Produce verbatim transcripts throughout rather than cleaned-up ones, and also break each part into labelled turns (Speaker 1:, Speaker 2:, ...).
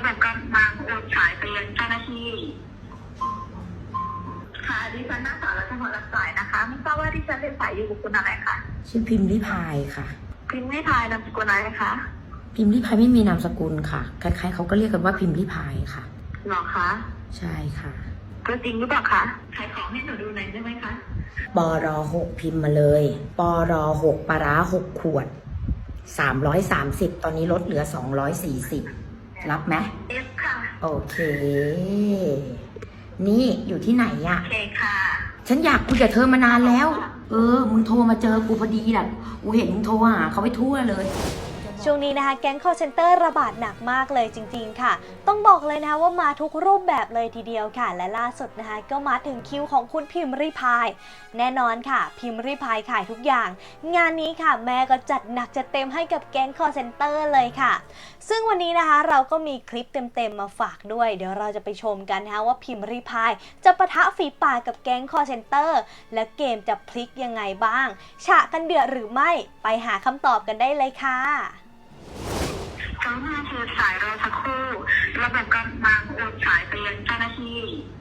Speaker 1: บบกำลังโอนสายไปยังเจ้าหน้าที่ค่ะดิฉันนางสาวรัชพร รับสายนะคะไม่ทราบว่าดิฉันเรียนสายอยู่กับคุณอะไรคะ
Speaker 2: ชื่อพิมพ์ริพายค่ะ
Speaker 1: พิมพ์ริพายนามสกุลอะไรคะ
Speaker 2: พิมพ์ริพายไม่มีนามสกุลค่ะใครๆเขาก็เรียกกันว่าพิมพ์ริพายค่ะ
Speaker 1: หรอคะ
Speaker 2: ใช่ค่ะ
Speaker 1: ก็จริงหรือเปล่าคะขายของให้หนูดูหน่อยได้ไหมคะ
Speaker 2: ปรหกพิมพ์มาเลยปรหกปลาร้าหกขวดสามร้อยสามสิบตอนนี้ลดเหลือสองร้อยสี่สิบรับไหม
Speaker 1: เอฟค่ะ
Speaker 2: โอเคนี่อยู่ที่ไหนอะ
Speaker 1: โอเคค่ะ
Speaker 2: ฉันอยากคุยกับเธอมานานแล้วเออมึงโทรมาเจอกูพอดีแหละกูเห็นมึงโทรหาเขาไปทั่วเลย
Speaker 3: ช่วงนี้นะคะแก๊ง call center ระบาดหนักมากเลยจริงๆค่ะต้องบอกเลยนะคะว่ามาทุกรูปแบบเลยทีเดียวค่ะและล่าสุดนะคะก็มาถึงคิวของคุณพิมพ์ริพายแน่นอนค่ะพิมพ์ริพายขายทุกอย่างงานนี้ค่ะแม่ก็จัดหนักจัดเต็มให้กับแก๊ง call center เลยค่ะซึ่งวันนี้นะคะเราก็มีคลิปเต็มๆมาฝากด้วยเดี๋ยวเราจะไปชมกันนะคะว่าพิมพ์ริพายจะปะทะฝีปากกับแก๊ง call center และเกมจะพลิกยังไงบ้างฉะกันเดือดหรือไม่ไปหาคำตอบกันได้เลยค่ะ
Speaker 1: กรุณาถือสายรอสักครู่ระบบกำลังโอนสายไปยังเจ้าหน้าที่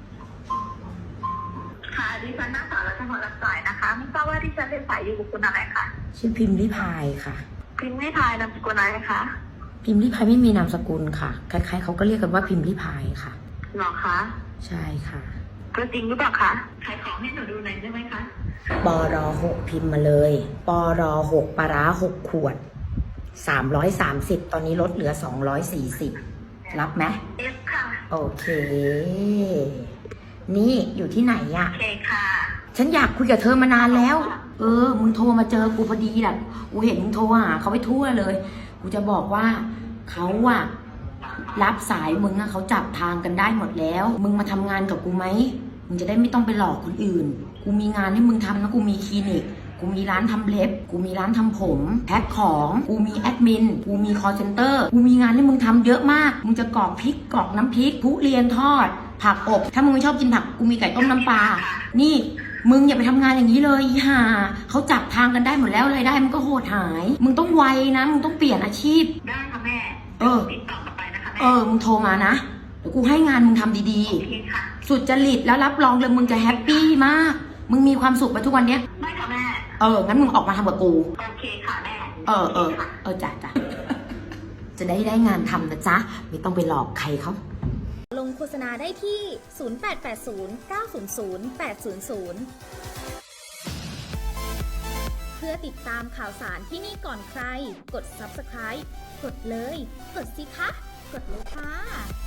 Speaker 1: ค่ะดิฉันนางสาวรัชพร รับสายนะคะไม่ทราบว่าดิฉันเรียนสายอยู่กับคุณอะไรคะ
Speaker 2: ชื่อพิมพ์ริพายค่ะ
Speaker 1: พิมพ์ริพายนามสกุลอะไรคะ
Speaker 2: พิมพ์ริพายไม่มีนามสกุลค่ะใครๆเขาก็เรียกกันว่าพิมพ์ริพายค่ะ
Speaker 1: หรอคะ
Speaker 2: ใช่ค่ะ
Speaker 1: ก็จริงหรือเปล่าคะขายของให้หนูดูหน่อยได้ไหมคะ
Speaker 2: ปรหกพิมพ์มาเลยปรหกปลาร้าหกขวดสามร้อยสามสิบตอนนี้ลดเหลือสองร้อยสี่สิบรับไหม
Speaker 1: เอฟค่ะ
Speaker 2: โอเคนี่อยู่ที่ไหนอะ
Speaker 1: โอเคค่ะ
Speaker 2: ฉันอยากคุยกับเธอมานานแล้วเออมึงโทรมาเจอกูพอดีแหละกูเห็นมึงโทรหาเขาไปทั่วเลยกูจะบอกว่าเขาอะรับสายมึงอะเขาจับทางกันได้หมดแล้วมึงมาทำงานกับกูไหมมึงจะได้ไม่ต้องไปหลอกคนอื่นกูมีงานให้มึงทำนะกูมีคลินิกกูมีร้านทำเล็บกูมีร้านทำผมแพ็คของกูมีแอดมินกูมีคอลเซ็นเตอร์กูมีงานให้มึงทำเยอะมากมึงจะกรอกพริกกรอกน้ำพริกทุเรียนทอดผักอบถ้ามึงไม่ชอบกินผักกูมีไก่ต้มน้ำปลานี่มึงอย่าไปทำงานอย่างนี้เลยอีห่าเขาจับทางกันได้หมดแล้วรายได้มันก็โหดหายมึงต้องไวนะมึงต้องเปลี่ยนอาชีพ
Speaker 1: ได้ค่ะแม่
Speaker 2: เออ
Speaker 1: ติดต่อกลับไปนะคะแม่
Speaker 2: เออมึงโทรมานะเดี๋ยวกูให้งานมึงทำดีๆสุดจริตแล้วรับรองเลยมึงจะแฮปปี้มากมึงมีความสุขไปทุกวันเนี้ย
Speaker 1: ไม่ค่ะแม่
Speaker 2: เอองั้นมึงออกมาทำกับกู
Speaker 1: โอเคค่ะแม่
Speaker 2: เออเออเออจ้ะจ้ะจะได้ได้งานทำนะจ๊ะไม่ต้องไปหลอกใครเขา
Speaker 3: ลงโฆษณาได้ที่ศูนย์ แปด แปด ศูนย์ เก้า ศูนย์ ศูนย์ แปด ศูนย์ ศูนย์เพื่อติดตามข่าวสารที่นี่ก่อนใครกด ซับสไครบ์ กดเลยกดสิคะกดเลยค่ะ